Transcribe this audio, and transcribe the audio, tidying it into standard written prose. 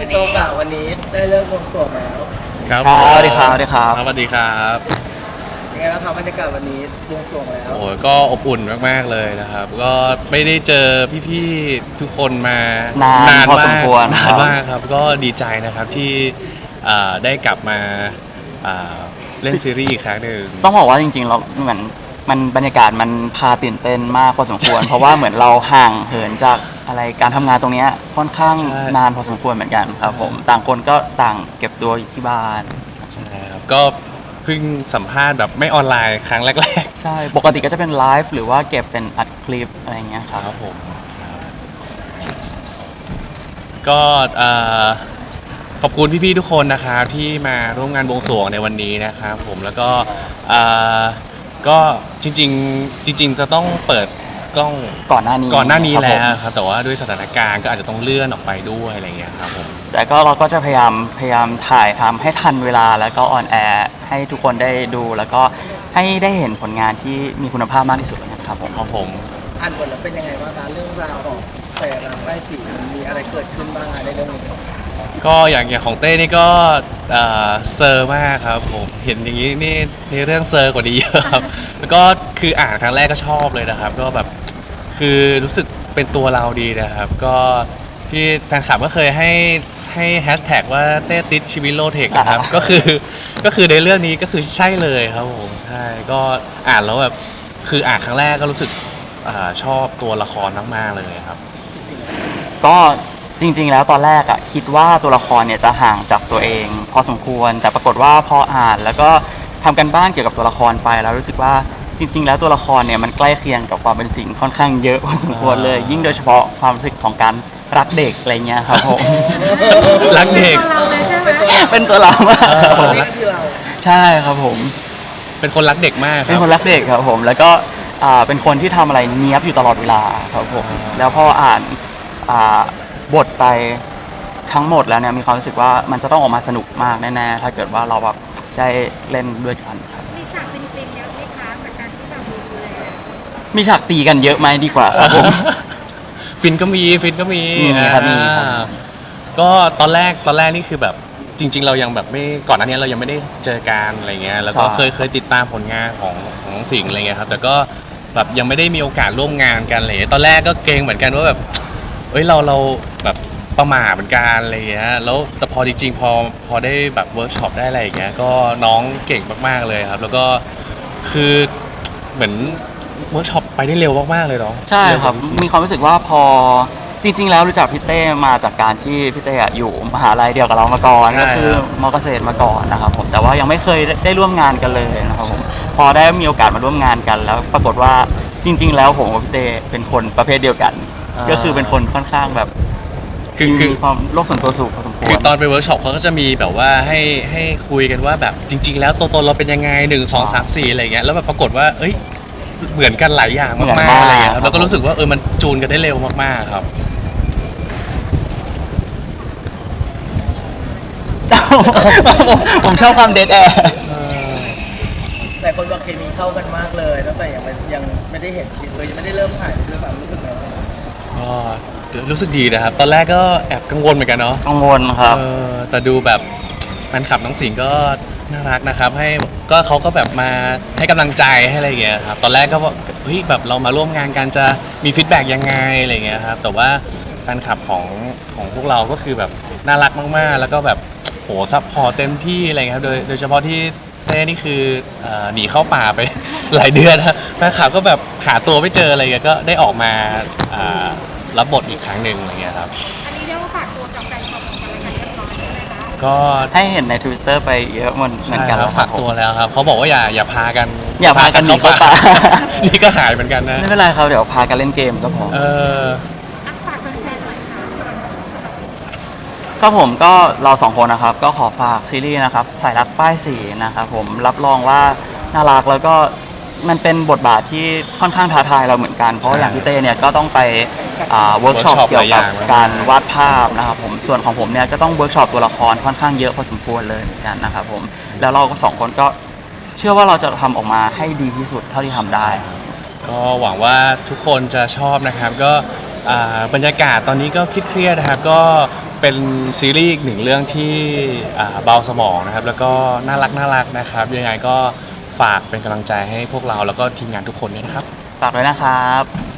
โตกะวันนี้ได้เริ่มบวงสรวงแล้วครับสวัสดีครับสวัสดีครับสวัสดีครับยังไงบ้างครับบรรยากาศวันนี้บวงสรวงแล้วโอ้ก็อบอุ่นมากๆเลยนะครับก็ไม่ได้เจอพี่ๆทุกคนมานานพอสมควรนานมากครับก็ดีใจนะครับที่ได้กลับมาเล่นซีรีส์อีกครั้งหนึ่งต้องบอกว่าจริงๆเราเหมือนมันบรรยากาศมันพาตื่นเต้นมากพอสมควร เพราะว่าเหมือนเราห่างเหินจากอะไรการทำงานตรงนี้ค่อนข้างนานพอสมควรเหมือนกันครับผมต่างคนก็ต่างเก็บตัวอยู่ที่บ้านใช่ครับก็เพิ่งสัมภาษณ์แบบไม่ออนไลน์ครั้งแรกๆใช่ปกติก็จะเป็นไลฟ์หรือว่าเก็บเป็นอัดคลิปอะไรเงี้ยครับผมก็ขอบคุณพี่ๆทุกคนนะครับที่มาร่วมงานบวงสรวงในวันนี้นะครับผมแล้วก็ก็จริงจะต้องเปิดกล้องก่อนหน้านี้แล้วครับแต่ว่าด้วยสถานการณ์ก็อาจจะต้องเลื่อนออกไปด้วยอะไรเงี้ยครับผมแต่ก็เราก็จะพยายามถ่ายทำให้ทันเวลาแล้วก็ออนแอร์ให้ทุกคนได้ดูแล้วก็ให้ได้เห็นผลงานที่มีคุณภาพมากที่สุดนะครับผมอ่านบทแล้วเป็นยังไงบ้างคะเรื่องราวของแสงรักใต้สีมีอะไรเกิดขึ้นบ้างในเรื่องนี้ก็อย่างของเต้นี่ก็เซอร์มากครับผมเห็นอย่างนี้นี่ในเรื่องเซอร์กว่านี้เยอะครับแล้วก็คืออ่านครั้งแรกก็ชอบเลยนะครับก็แบบคือรู้สึกเป็นตัวเราดีนะครับก็ที่แฟนคลับก็เคยให้แฮชแท็กว่าเต้ติดชีวิตโลเทคนะครับก็คือในเรื่องนี้ก็คือใช่เลยครับผมใช่ก็อ่านแล้วแบบคืออ่านครั้งแรกก็รู้สึกชอบตัวละครมากๆเลยครับก็จริงๆแล้วตอนแรกอะคิดว่าตัวละครเนี่ยจะห่างจากตัวเองพอสมควรแต่ปรากฏว่าพออ่านแล้วก็ทำกันบ้านเกี่ยวกับตัวละครไปแล้วรู้สึกว่าจริงๆแล้วตัวละครเนี่ยมันใกล้เคียงกับความเป็นสิ่งค่อนข้างเยอะพอสมควรเลยยิ่งโดยเฉพาะความรู้สึกของการรักเด็กอะไรเงี้ยครับผมรักเด็กเป็นตัวเรามากครับผมนี่ก็คือเราใช่ครับผมเป็นคนรักเด็กมากเป็นคนรักเด็กครับผมแล้วก็เป็นคนที่ทำอะไรเนี้ยบอยู่ตลอดเวลาครับผมแล้วพออ่านบทไปทั้งหมดแล้วเนี่ยมีความรู้สึกว่ามันจะต้องออกมาสนุกมากแน่ๆถ้าเกิดว่าเราแบบได้เล่นด้วยกันครับมีฉากเป็นเยอะไหมคะจากการที่แบบดูแลมีฉากตีกันเยอะไหมดีกว่าครับผมฟินก็มีครับก็ตอนแรกนี่คือแบบจริงๆเรายังแบบไม่ก่อนหน้านี้เรายังไม่ได้เจอกันอะไรเงี้ยแล้วก็เคยติดตามผลงานของสิงห์อะไรเงี้ยครับแต่ก็แบบยังไม่ได้มีโอกาสร่วมงานกันเลยตอนแรกก็เกรงเหมือนกันว่าแบบเอ้ยเราแบบประหม่าเหมือนกันอะไรเงี้ยแล้วแต่พอจริงๆพอได้แบบเวิร์กช็อปได้อะไรอย่างเงี้ยก็น้องเก่งมากๆเลยครับแล้วก็คือเหมือนเวิร์กช็อปไปได้เร็วมากๆเลยเนาะใช่ครับมีความรู้สึกว่าพอจริงๆแล้วรู้จักพี่เต้มาจากการที่พี่เต้อยู่มหาลัยเดียวกับเรามาก่อนก็คือมอเกษตรมาก่อนนะครับผมแต่ว่ายังไม่เคยได้ร่วมงานกันเลยนะครับผมพอได้มีโอกาสมาร่วมงานกันแล้วปรากฏว่าจริงๆแล้วผมกับพี่เต้เป็นคนประเภทเดียวกันก็คือเป็นคนค่อนข้างแบบคือมีความโลกส่วนตัวสูงพอสมควรคือตอนไปเวิร์กช็อปเขาก็จะมีแบบว่าให้คุยกันว่าแบบจริงๆแล้วตัวตนเราเป็นยังไง1 2 3 4อะไรเงี้ยแล้วแบบปรากฏว่าเอ้ยเหมือนกันหลายอย่างมากๆอะไรเงี้ยครับแล้วก็รู้สึกว่ามันจูนกันได้เร็วมากๆครับผมชอบความเดทแอร์แต่คนบอกเคมีเข้ากันมากเลยตั้งแต่ยังไม่ได้เห็นทีเซอร์ยังไม่ได้เริ่มถ่ายด้วยซ้ำรู้สึกไงบ้างก็รู้สึกดีนะครับตอนแรกก็แอบกังวลเหมือนกันเนาะกังวลครับแต่ดูแบบแฟนคลับน้องสิงห์ก็น่ารักนะครับเขาก็แบบมาให้กำลังใจให้อะไรอย่างเงี้ยครับตอนแรกก็ว่าเฮ้ยแบบเรามาร่วมงานกันจะมีฟีดแบ็กยังไงอะไรเงี้ยครับแต่ว่าแฟนคลับของพวกเราก็คือแบบน่ารักมากๆแล้วก็แบบโหซัพพอร์ตเต็มที่อะไรเงี้ยครับโดยเฉพาะที่เต้นี่คือหนีเข้าป่าไป หลายเดือนนะแฟนคลับก็แบบหาตัวไม่เจออะไรเงี้ยก็ได้ออกมารับบทอีกครั้งหนึ่งอะไรเงี้ยครับอันนี้เรียกว่าฝากตัวกับแฟนคลับของกันและกันเรียบร้อยใช่ไหมคะก็ให้เห็นใน Twitter ไปเยอะเหมือนกันแล้วฝากตัวแล้วครับเขาบอกว่าอย่าพากันหนีเข้าป่านี่ก็หายเหมือนกันนะไม่เป็นไรครับเดี๋ยวพากันเล่นเกมก็พอฝากแฟนๆหน่อยค่ะครับผมก็เราสองคนนะครับก็ขอฝากซีรีส์นะครับสายรักป้ายสีนะครับผมรับรองว่าน่ารักแล้วก็มันเป็นบทบาทที่ค่อนข้างท้าทายเราเหมือนกันเพราะอย่างพี่เต้เนี่ยก็ต้องไปเวิร์กช็อปเกี่ยวกับการวาดภาพนะครับผมส่วนของผมเนี่ยก็ต้องเวิร์กช็อปตัวละครค่อนข้างเยอะพอสมควรเลยเหมือนกันนะครับผมแล้วเราก็สองคนก็เชื่อว่าเราจะทำออกมาให้ดีที่สุดเท่าที่ทำได้ก็หวังว่าทุกคนจะชอบนะครับก็บรรยากาศตอนนี้ก็เครียดๆนะครับก็เป็นซีรีส์อีกหนึ่งเรื่องที่เบาสมองนะครับแล้วก็น่ารักนะครับยังไงก็ฝากเป็นกำลังใจให้พวกเราแล้วก็ทีมงานทุกคนด้วยนะครับฝากด้วยนะครับ